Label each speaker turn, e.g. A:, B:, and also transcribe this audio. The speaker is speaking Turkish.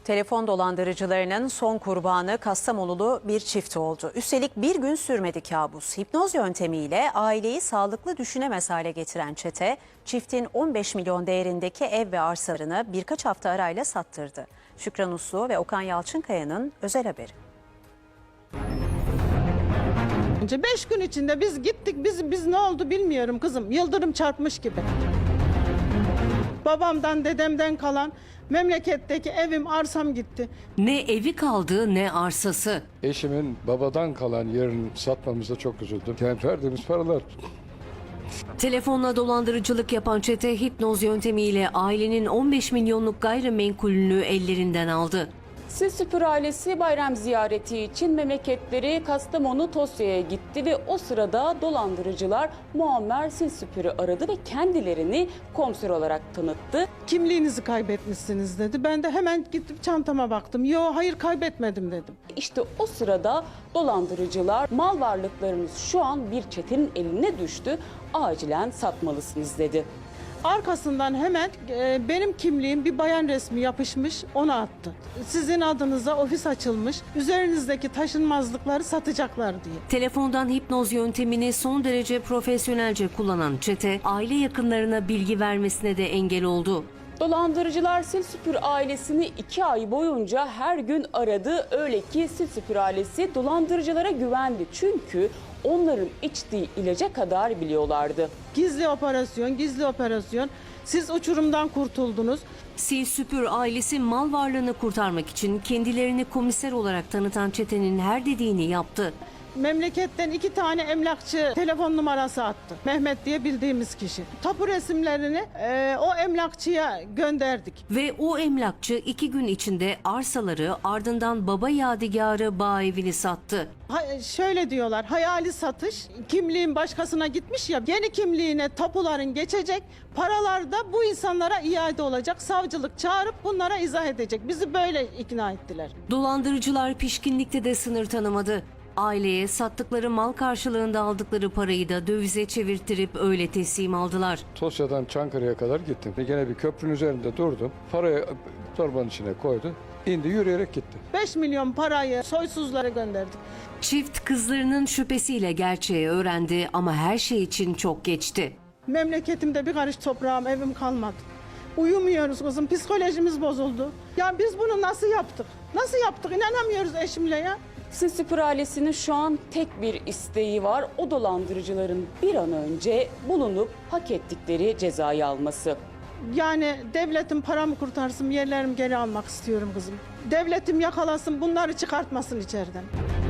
A: Telefon dolandırıcılarının son kurbanı Kastamonulu bir çift oldu. Üstelik bir gün sürmedi kabus. Hipnoz yöntemiyle aileyi sağlıklı düşünemez hale getiren çete, çiftin 15 milyon değerindeki ev ve arsalarını birkaç hafta arayla sattırdı. Şükran Uslu ve Okan Yalçınkaya'nın özel haberi.
B: 5 gün içinde biz gittik, biz ne oldu bilmiyorum kızım. Yıldırım çarpmış gibi. Babamdan, dedemden kalan memleketteki evim, arsam gitti.
C: Ne evi kaldı ne arsası.
D: Eşimin babadan kalan yerini satmamıza çok üzüldüm. Yani verdiğimiz paralar.
C: Telefonla dolandırıcılık yapan çete hipnoz yöntemiyle ailenin 15 milyonluk gayrimenkulünü ellerinden aldı.
E: Sil Süpür ailesi bayram ziyareti için memleketleri Kastamonu Tosya'ya gitti ve o sırada dolandırıcılar Muammer Sil Süpür'ü aradı ve kendilerini komiser olarak tanıttı.
B: Kimliğinizi kaybetmişsiniz dedi. Ben de hemen gittim çantama baktım. Yo, hayır, kaybetmedim dedim.
E: İşte o sırada dolandırıcılar mal varlıklarınız şu an bir çetenin eline düştü, acilen satmalısınız dedi.
B: Arkasından hemen benim kimliğim, bir bayan resmi yapışmış, onu attı. Sizin adınıza ofis açılmış, üzerinizdeki taşınmazlıkları satacaklar diye.
C: Telefondan hipnoz yöntemini son derece profesyonelce kullanan çete aile yakınlarına bilgi vermesine de engel oldu.
E: Dolandırıcılar Sil Süpür ailesini 2 ay boyunca her gün aradı. Öyle ki Sil Süpür ailesi dolandırıcılara güvendi. Çünkü onların içtiği ilaca kadar biliyorlardı.
B: Gizli operasyon, gizli operasyon. Siz uçurumdan kurtuldunuz.
C: Sil Süpür ailesi mal varlığını kurtarmak için kendilerini komiser olarak tanıtan çetenin her dediğini yaptı.
B: Memleketten 2 tane emlakçı telefon numarası attı. Mehmet diye bildiğimiz kişi. Tapu resimlerini o emlakçıya gönderdik.
C: Ve o emlakçı 2 gün içinde arsaları ardından baba yadigarı bağ evini sattı.
B: Şöyle diyorlar, hayali satış, kimliğin başkasına gitmiş ya, yeni kimliğine tapuların geçecek, paralar da bu insanlara iade olacak. Savcılık çağırıp bunlara izah edecek. Bizi böyle ikna ettiler.
C: Dolandırıcılar pişkinlikte de sınır tanımadı. Aileye sattıkları mal karşılığında aldıkları parayı da dövize çevirttirip öyle teslim aldılar.
D: Tosya'dan Çankırı'ya kadar gittim. Gene bir köprünün üzerinde durdum. Parayı torbanın içine koydu. İndi, yürüyerek gitti.
B: 5 milyon parayı soysuzlara gönderdik.
C: Çift kızlarının şüphesiyle gerçeği öğrendi ama her şey için çok geçti.
B: Memleketimde bir karış toprağım, evim kalmadı. Uyumuyoruz kızım, psikolojimiz bozuldu. Ya biz bunu nasıl yaptık? Nasıl yaptık? İnanamıyoruz eşimle ya.
E: Sil Süpür ailesinin şu an tek bir isteği var. O dolandırıcıların bir an önce bulunup hak ettikleri cezayı alması.
B: Yani devletim paramı kurtarsın, yerlerimi geri almak istiyorum kızım. Devletim yakalasın, bunları çıkartmasın içeriden.